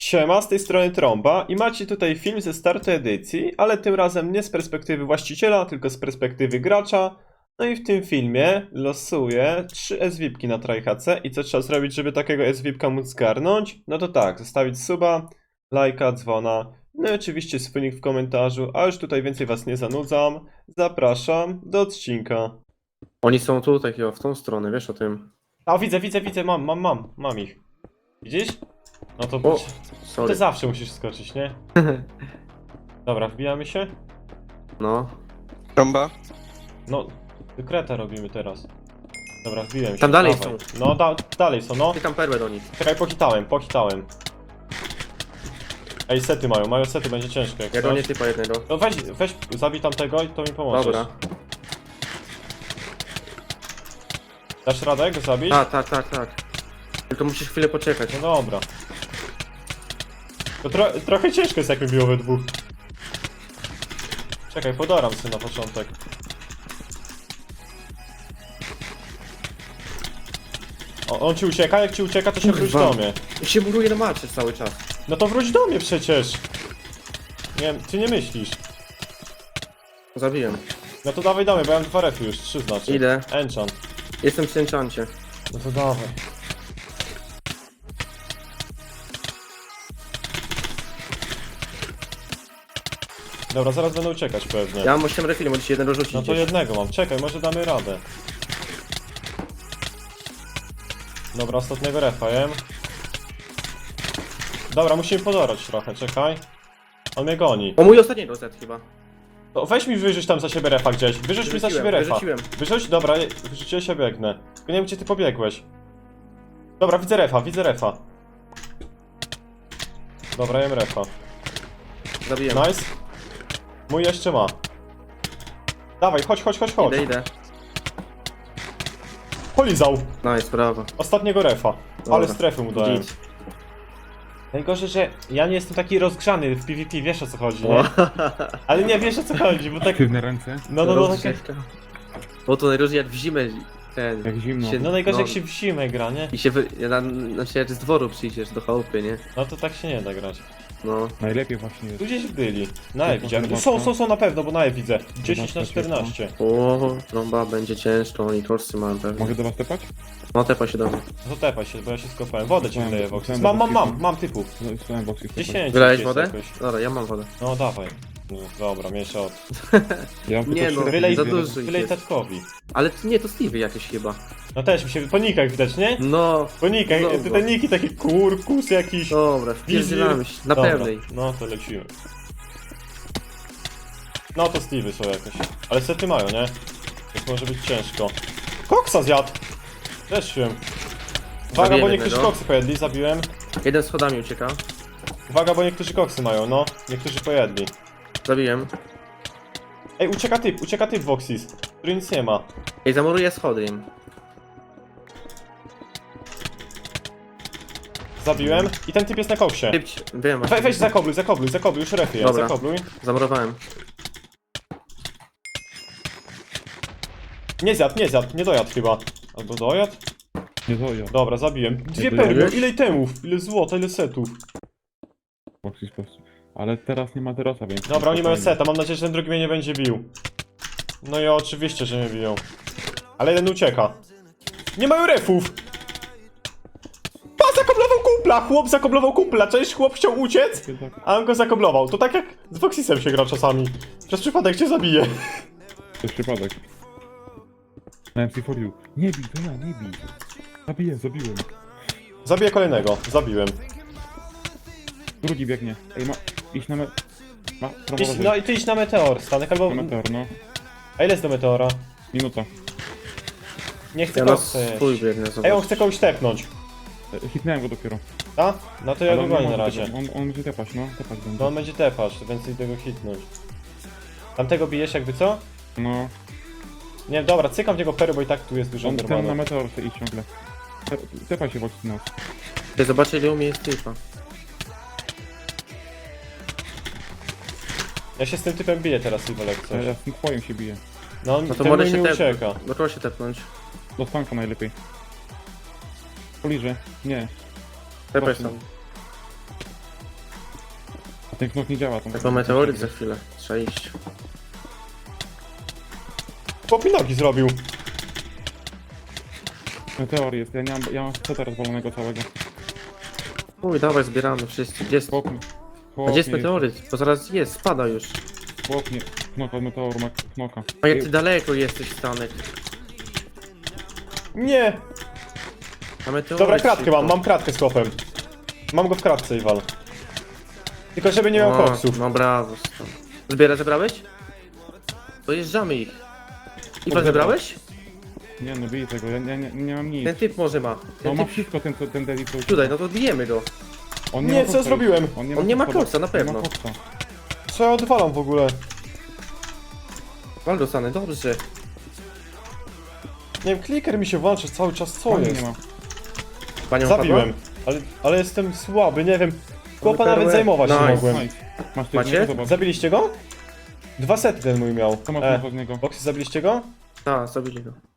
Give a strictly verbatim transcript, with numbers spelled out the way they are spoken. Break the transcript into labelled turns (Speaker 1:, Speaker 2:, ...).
Speaker 1: Siema, z tej strony Tromba i macie tutaj film ze startu edycji, ale tym razem nie z perspektywy właściciela, tylko z perspektywy gracza. No i w tym filmie losuję trzy S V I P-ki na TryHC i co trzeba zrobić, żeby takiego S V I P-ka móc zgarnąć? No to tak, zostawić suba, lajka, dzwona, no i oczywiście swój nick w komentarzu, a już tutaj więcej was nie zanudzam. Zapraszam do odcinka.
Speaker 2: Oni są tu, takiego, w tą stronę, wiesz o tym.
Speaker 1: A widzę, widzę, widzę, mam, mam, mam, mam ich. Widzisz? No to...
Speaker 2: O,
Speaker 1: Ty
Speaker 2: sorry.
Speaker 1: zawsze musisz skoczyć, nie? Dobra, wbijamy się?
Speaker 2: No.
Speaker 3: Tromba?
Speaker 1: No, kreta robimy teraz. Dobra, wbiłem się.
Speaker 2: Tam dalej
Speaker 1: dawaj.
Speaker 2: są.
Speaker 1: No, da dalej są, no.
Speaker 2: Ty tam perłę do nich.
Speaker 1: Czekaj, pochitałem, pochitałem. Ej, sety mają, mają sety, będzie ciężko jak
Speaker 2: Ja do nie
Speaker 1: coś.
Speaker 2: typa jednego.
Speaker 1: No weź, weź, zabij tamtego i to mi pomożesz.
Speaker 2: Dobra.
Speaker 1: Dasz radę go zabić?
Speaker 2: A, tak, tak, tak. Tylko musisz chwilę poczekać.
Speaker 1: No dobra. To tro trochę ciężko jest jak mi biło we dwóch. Czekaj, podaram sobie na początek. O, on ci ucieka, jak ci ucieka to się wróć
Speaker 2: Kurwa.
Speaker 1: do mnie.
Speaker 2: I się buruje na macie cały czas.
Speaker 1: No to wróć do mnie przecież. Nie wiem, ty nie myślisz.
Speaker 2: Zabiłem.
Speaker 1: No to dawaj, dawaj, bo ja mam dwa refy już, trzy znaczy.
Speaker 2: Idę.
Speaker 1: Enchant.
Speaker 2: Jestem przy enchancie.
Speaker 1: No to dawaj. Dobra, zaraz będę uciekać pewnie.
Speaker 2: Ja mam osiem refili, możesz jeden dorzucić.
Speaker 1: No to
Speaker 2: gdzieś.
Speaker 1: jednego mam, czekaj, może damy radę. Dobra, ostatniego refa jem. Dobra, musimy podorać trochę, czekaj. On mnie goni.
Speaker 2: O, mój ostatni rozet chyba.
Speaker 1: To weź mi wyrzuć tam za siebie refa gdzieś. Wyrzuć mi za
Speaker 2: Wyrzuciłem,
Speaker 1: siebie refa.
Speaker 2: wyrzuciłem.
Speaker 1: Wyrzuć, dobra, wyrzuciłeś się, biegnę. Tylko nie wiem, gdzie ty pobiegłeś. Dobra, widzę refa, widzę refa. Dobra, jem refa.
Speaker 2: Zabiłem.
Speaker 1: Nice. Mój jeszcze ma. Dawaj, chodź, chodź, chodź, chodź.
Speaker 2: Idę, idę.
Speaker 1: Polizał.
Speaker 2: Nice, brawo.
Speaker 1: Ostatniego refa.
Speaker 2: Dobra.
Speaker 1: Ale strefy mu dałem.
Speaker 2: Git.
Speaker 1: Najgorzej, że ja nie jestem taki rozgrzany w PvP, wiesz o co chodzi,
Speaker 2: O.
Speaker 1: nie? Ale nie, wiesz o co chodzi, bo tak...
Speaker 4: Aktywne ręce,
Speaker 1: No, no, no, takie...
Speaker 2: Rozgrzewka. Bo to najgorzej jak w zimę ten...
Speaker 4: jak zimno.
Speaker 2: się-
Speaker 1: No najgorzej jak
Speaker 2: No.
Speaker 1: się w zimę gra, nie?
Speaker 2: I się wy... na, znaczy jak z dworu przyjdziesz do chałupy, nie?
Speaker 1: No to tak się nie da grać.
Speaker 2: No.
Speaker 4: Najlepiej właśnie jest.
Speaker 1: Tu gdzieś byli. Na E
Speaker 4: To
Speaker 1: widziałem.
Speaker 4: chyba
Speaker 1: Są,
Speaker 4: to.
Speaker 1: są, są na pewno, bo na E widzę. dziesięć na
Speaker 4: Zobaczcie,
Speaker 1: czternaście.
Speaker 2: O, trąba będzie ciężko, oni torsy mają pewnie.
Speaker 4: Mogę do was tepać?
Speaker 2: No tepa się do mnie.
Speaker 1: No to tepaj się, bo ja się skopałem. Wodę ci
Speaker 4: Mam,
Speaker 1: wydaję, Vox.
Speaker 4: mam
Speaker 1: Mam, mam, mam,
Speaker 4: boxy.
Speaker 1: mam typów.
Speaker 4: No, Słuchałem boxy.
Speaker 1: dziesięć.
Speaker 2: Wylałeś
Speaker 1: jest
Speaker 2: wodę?
Speaker 1: jakoś.
Speaker 2: Dobra, ja mam wodę.
Speaker 1: No dawaj. No, dobra, mniejsza od...
Speaker 4: Ja mam
Speaker 2: Nie
Speaker 4: tylko
Speaker 2: no,
Speaker 4: trzy
Speaker 1: Wylej,
Speaker 2: za
Speaker 4: refile.
Speaker 2: dużo.
Speaker 1: wylej
Speaker 2: jest.
Speaker 1: tatkowi.
Speaker 2: Ale t- nie, to Stevie jakieś chyba.
Speaker 1: No też mi się... Po nikach widać, nie?
Speaker 2: No,
Speaker 1: Po nikach.
Speaker 2: Dobra.
Speaker 1: Te, te niki takie kurkus jakiś.
Speaker 2: dobra, wpierdzielamy się. Na
Speaker 1: Dobra,
Speaker 2: pewnej.
Speaker 1: No to lecimy. No to Stevey są jakieś. Ale sety mają, nie? Więc może być ciężko. Koksa zjadł! Też się. Uwaga,
Speaker 2: Zabiłem
Speaker 1: bo niektórzy
Speaker 2: jednego.
Speaker 1: koksy pojedli, zabiłem.
Speaker 2: Jeden schodami ucieka.
Speaker 1: Uwaga, bo niektórzy koksy mają, no. Niektórzy pojedli.
Speaker 2: Zabiłem.
Speaker 1: Ej, ucieka typ, ucieka typ Voxis, który nic nie ma.
Speaker 2: Ej, zamuruję schody im.
Speaker 1: Zabiłem. I ten typ jest na koksie.
Speaker 2: Typ, ci- wiem
Speaker 1: We,
Speaker 2: właśnie.
Speaker 1: weź zakobluj, zakobluj, zakobluj, już refy jest,
Speaker 2: Dobra.
Speaker 1: zakobluj.
Speaker 2: Zamurowałem.
Speaker 1: Nie zjadł, nie zjadł, nie dojadł chyba. Albo dojadł?
Speaker 4: Nie to ja.
Speaker 1: Dobra, zabiłem. Dwie
Speaker 4: Nie
Speaker 1: perły,
Speaker 4: dojadłeś?
Speaker 1: ile itemów, ile złota, ile setów.
Speaker 4: Boxy po prostu. Ale teraz nie ma terasa, więc...
Speaker 1: Dobra, oni mają
Speaker 4: spokojnie.
Speaker 1: seta, mam nadzieję, że ten drugi mnie nie będzie bił. No i oczywiście, że mnie biją. Ale jeden ucieka. Nie mają refów! Pa, zakoblował kumpla! Chłop zakoblował kumpla, cześć, chłop chciał uciec, a on go zakoblował. To tak jak z Voxisem się gra czasami. Przez przypadek cię zabije.
Speaker 4: To jest przypadek. Na M C cztery U. Nie bij, to ja, nie bij. Zabiję, zabiłem.
Speaker 1: Zabiję kolejnego, zabiłem.
Speaker 4: Drugi biegnie. Ej, ma... Idź na me... Ma... Prawo,
Speaker 1: Idź, no i ty idź na meteor, Stanek, albo...
Speaker 4: Na meteor, no.
Speaker 1: A ile jest do meteora?
Speaker 4: Minuta.
Speaker 1: Nie chcę
Speaker 2: Ja na
Speaker 1: koksa
Speaker 2: swój
Speaker 1: jeść.
Speaker 2: biegnę,
Speaker 1: Ej, on
Speaker 2: zobacz.
Speaker 1: chce kogoś tepnąć.
Speaker 4: E, Hitnąłem go dopiero.
Speaker 1: A? No to ja
Speaker 4: Ale
Speaker 1: go
Speaker 4: on nie
Speaker 1: gonię
Speaker 4: może
Speaker 1: na razie.
Speaker 4: tepać. On, on będzie tepać, no. Tepać będzie.
Speaker 1: No on będzie tepać, więc idę go hitnąć. Tamtego bijesz jakby co?
Speaker 4: No.
Speaker 1: Nie, dobra, cykam w niego pery, bo i tak tu jest dużo
Speaker 4: On ten na
Speaker 1: normalne.
Speaker 4: meteor chce iść ciągle. Te- Tepaj się Boxy nas.
Speaker 2: Ty zobacz ile u mnie jest typa.
Speaker 1: Ja się z tym typem biję teraz, Iwolek,
Speaker 4: Ja
Speaker 1: coś.
Speaker 4: ja z tym twoim się biję.
Speaker 1: No on
Speaker 2: No to
Speaker 1: ten
Speaker 2: może
Speaker 1: mój
Speaker 2: się
Speaker 1: mi
Speaker 2: tep...
Speaker 1: ucieka.
Speaker 2: No to się tepnąć.
Speaker 4: Do stanka najlepiej. Poliżę. Nie.
Speaker 2: Tepaj
Speaker 4: Właśnie.
Speaker 2: tam.
Speaker 4: Ten knok nie działa. Tam
Speaker 2: Jako meteoryt za chwilę. Trzeba iść.
Speaker 1: Popinoki zrobił.
Speaker 4: Meteor jest, ja, nie mam, ja mam seta rozwalonego całego.
Speaker 2: Uj, dawaj, zbieramy wszyscy. Gdzie jest?
Speaker 4: Chłop, mi-
Speaker 2: A
Speaker 4: chłop
Speaker 2: gdzie jest
Speaker 4: mnie-
Speaker 2: meteoryt? Bo zaraz jest, spada już.
Speaker 4: Chłop mnie, knoka, meteoru, ma knoka.
Speaker 2: A jak ty daleko jesteś, Stanek?
Speaker 1: Nie!
Speaker 2: A meteoryt
Speaker 1: Dobra, kratkę
Speaker 2: szybko.
Speaker 1: mam, mam kratkę z chłopem. Mam go w kratce i wal. Tylko żeby nie miał
Speaker 2: O,
Speaker 1: koksów.
Speaker 2: No brawo, Stanek. Zbiera, zebrałeś? Dojeżdżamy ich. Iwan,
Speaker 4: Dobra.
Speaker 2: zebrałeś?
Speaker 4: Nie no, bij tego, ja, ja nie, nie mam nic.
Speaker 2: Ten typ może ma.
Speaker 4: No
Speaker 2: Ten
Speaker 4: ma
Speaker 2: typ...
Speaker 4: wszystko ten, co- ten Devi co
Speaker 2: Tutaj, no to bijemy go.
Speaker 4: On
Speaker 1: Nie,
Speaker 4: ma
Speaker 1: co
Speaker 4: koksa.
Speaker 1: zrobiłem?
Speaker 2: On nie ma
Speaker 4: koksa,
Speaker 2: koksa, na
Speaker 4: nie
Speaker 2: pewno.
Speaker 4: ma koksa.
Speaker 1: Co ja odwalam w ogóle?
Speaker 2: Wal dostanę, dobrze.
Speaker 1: Nie wiem, kliker mi się włącza cały czas, co
Speaker 4: Pani
Speaker 1: jest?
Speaker 4: nie ma.
Speaker 2: Panią
Speaker 1: Zabiłem.
Speaker 2: padła?
Speaker 1: Ale, ale jestem słaby, nie wiem. Chłopa
Speaker 2: perłę.
Speaker 1: nawet zajmować nie
Speaker 2: Nice.
Speaker 1: mogłem.
Speaker 4: Nice. Masz ty
Speaker 2: Macie?
Speaker 4: jednego, zobacz.
Speaker 1: Zabiliście go? Dwa sety ten mój miał.
Speaker 4: Co masz
Speaker 1: E,
Speaker 4: e. z niego?
Speaker 1: Boxy, zabiliście go?
Speaker 2: Tak, zabili go.